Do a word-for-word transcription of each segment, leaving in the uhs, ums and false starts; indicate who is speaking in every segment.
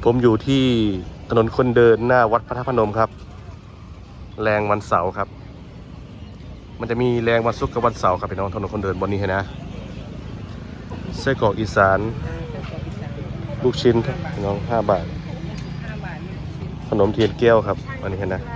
Speaker 1: ผมอยู่ที่ถนนคนเดินหน้าวัดพระธาตุพนมครับแรงวันเสาร์ครับมันจะมีแรงวันศุกร์กับวันเสาร์ครับพี่น้องถนนคนเดินบนนี้นะไส้กรอกอีสานลูกชิ้นพี่น้องห้าบาทขนมเทียนแก้วครับอันนี้เห็นนะ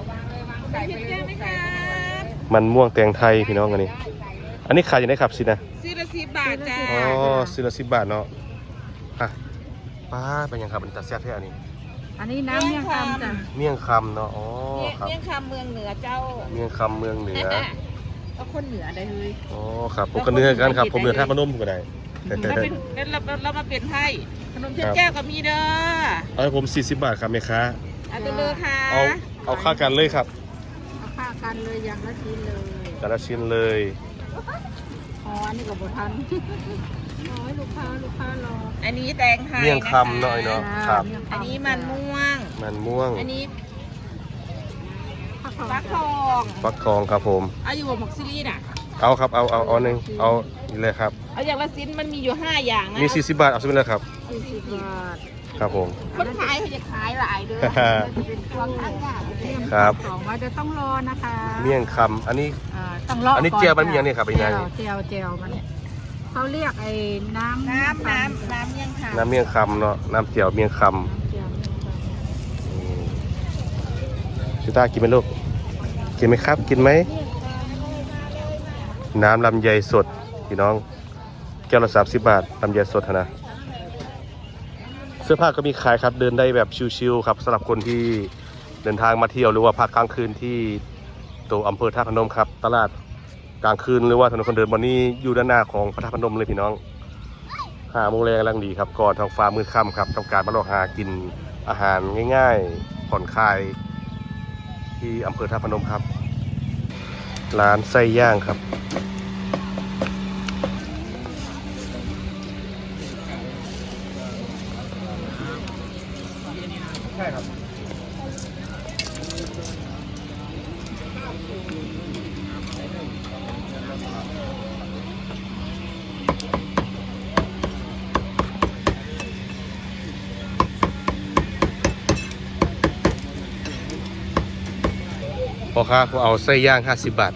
Speaker 1: มันม่วงแตงไทยพี่น้องอันนี้อันนี้ขายอย่างไรครับสินะ
Speaker 2: ซีละสิบบาทจ้า
Speaker 1: อ๋อซีละสิบบาทเนาะอ่ะป้าเป็นยังครับเป็นตาแซ่บแท้อันนี้
Speaker 2: อันนี้น้ำเมี่ยงคำจ้ะ
Speaker 1: เมี่ยงคำเนาะอ๋อครับ
Speaker 2: เมี่ยงคำเมืองเหนือเจ้า
Speaker 1: เมี่ยงคำเมืองเหนือ
Speaker 2: ก็คนเหนือได้เลย
Speaker 1: อ๋อครับผมก็เนื้อกันครับผมเนื้อท่าพนมก็ได้
Speaker 2: เราเป็นเราเรามาเปลี่ยนให้ขนมเช้าแก้วก็มีเด้อ
Speaker 1: เอาผมสี่สิบบาทครับแม่ค้า
Speaker 2: เอาไปเลยค่ะ
Speaker 1: เอาเอาค่ากันเลยครับ
Speaker 2: เอาค่ากันเลยอย่างละชิ้นเลย
Speaker 1: แต่ละชิ้นเลย
Speaker 2: อ๋ออันนี้กับบทันอ๋อลูกค้าลูกค้ารออันนี้แตงไทย
Speaker 1: เมี่ยงคำหน่อยเนาะครับ
Speaker 2: อันนี้มันม่วง
Speaker 1: มันม่วง
Speaker 2: อันนี้ฟักทอง
Speaker 1: ฟักทองครับผม
Speaker 2: เอาอยู่กับหมกซิลี่น่ะ
Speaker 1: เอาครับเอาเอาเอาหนึ่งเอานี่เลยครับ
Speaker 2: เอาอย่างละชิ้นมันมีอยู่ห้าอย่างนะ
Speaker 1: มีสี่สิบบาทเอาชิ้นเลยครับ
Speaker 2: สี่สิบบาท
Speaker 1: ครับผม
Speaker 2: คนขายเขาจะขายหลายเด้อเป็นพวงข้างหน้า
Speaker 1: ครับ
Speaker 2: สองว่าจะต้องรอนะคะ
Speaker 1: เมี่ยงคำอันนี้
Speaker 2: ต้องรอ
Speaker 1: อันนี้เจียวมันมีอย่างนี้ครับไอ้นาย
Speaker 2: เจียวเจียวมันเขาเรียกไอ้น้ำน้ำน้ำน้ำเมี่ยงคำ
Speaker 1: น้ำเมี่ยงคำเนาะน้ำเจียวเมี่ยงคำชิต้ากินไหมลูกกินไหมครับกินไหมน้ำลำไยสดพี่น้องแก้วละสามสิบบาทลำไยสดนะเสื้อผ้าก็มีขายครับเดินได้แบบชิวๆครับสำหรับคนที่เดินทางมาเที่ยวหรือว่าพักกลางคืนที่ตัวอำเภอท่าพนมครับตลาดกลางคืนหรือว่าถนนคนเดินบนนี้อยู่ด้านหน้าของพระธาตุพนมเลยพี่น้องหาโมงแรงกำลังดีครับก่อนทางฟ้ามืดค่ำครับต้องการมาลองหากินอาหารง่ายๆผ่อนคลายที่อำเภอท่าพนมครับร้านไส้ย่างครับใช่ครับพอค้าเขาเอาไส้ย่างห้าสิบบาท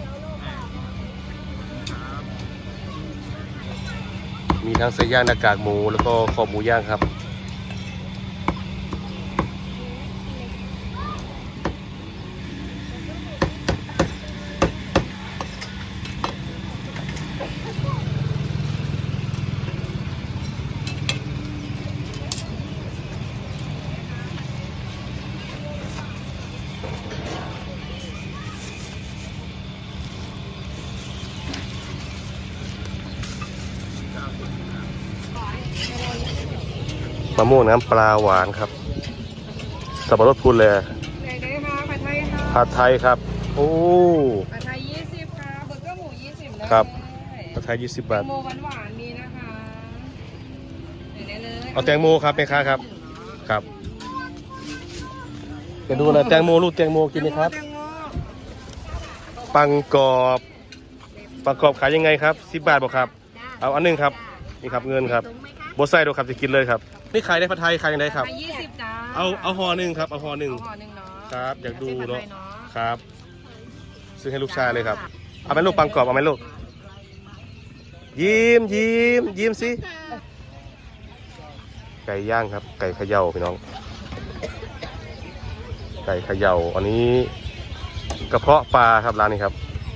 Speaker 1: มีทั้งไส้ย่างหน้ากากหมูแล้วก็คอหมูย่างครับมะม่วงน้ำปลาหวานครับสับปะรดพูนเลยผัดไทยครับโอ้
Speaker 2: ผัดไทยยี่สิบค่ะเบอร์เกอร์หมูยี่สิบ
Speaker 1: ครับผัดไทยยี่สิบบาท
Speaker 2: โมหวานหวานมีนะคะ
Speaker 1: เอาแตงโมครับแม่ค้าครับครับจะดูนะแตงโมลูกแตงโมกินไหมครับปังกรอบปังกรอบขายยังไงครับสิบบาทบอกครับเอาอันนึงครับนี่ครับเงินครับบดไส้ดูครับจะกินเลยครับนี่ขายได้ผัดไทยขายยังไงครับ
Speaker 2: ยี่สิบจ้า
Speaker 1: เอาเอาห่อหนึ่งครับเอาห่อหนึ่งครับอยากดูเนาะครับซื้อให้ลูกชายเลยครับเอาไหมลูกปังกรอบเอาไหมลูกยิ้มยิ้มยิ้มสิไก่ย่างครับไก่เขย่าพี่น้องไก่เขย่าอันนี้กระเพาะปลาครับร้านนี้ครับ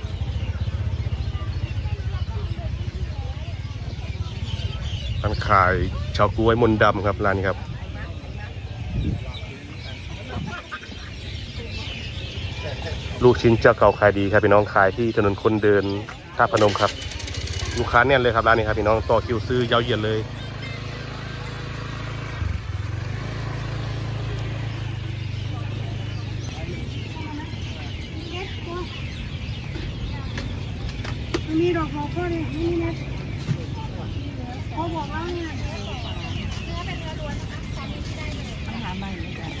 Speaker 1: ร้านขายชาวกล้วยมนดำครับร้านนี้ครับลูกชิ้นเจ้าเก่าขายดีครับพี่น้องขายที่ถนนคนเดินท่าพนมครับลูกค้าแน่นเลยครับร้านนี้ครับพี่น้องต่อคิวซื้อยาวเหยียดเลย
Speaker 2: มีดอกโลโก้เนี่ยนี่นะเขาบอกว่าเนี่ยเนื้อเป็นเนื้อล้วนนะคะตอนนี้ที่ได้เลยปัญหาใหม่เลยจ้ะ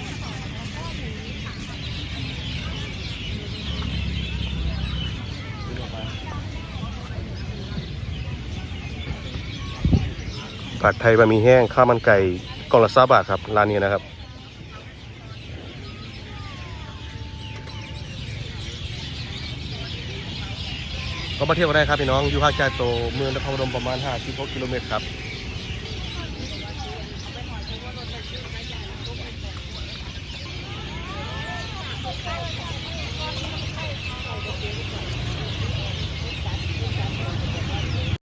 Speaker 1: ผัดไทยบะหมี่แห้งข้าวมันไก่กล่องละสามบาทครับร้านนี้นะครับก็มาเที่ยวกันได้ครับพี่น้องอยู่ห่างจากตัวเมืองนครพนมประมาณห้าสิบหกกิโลเมตรครับ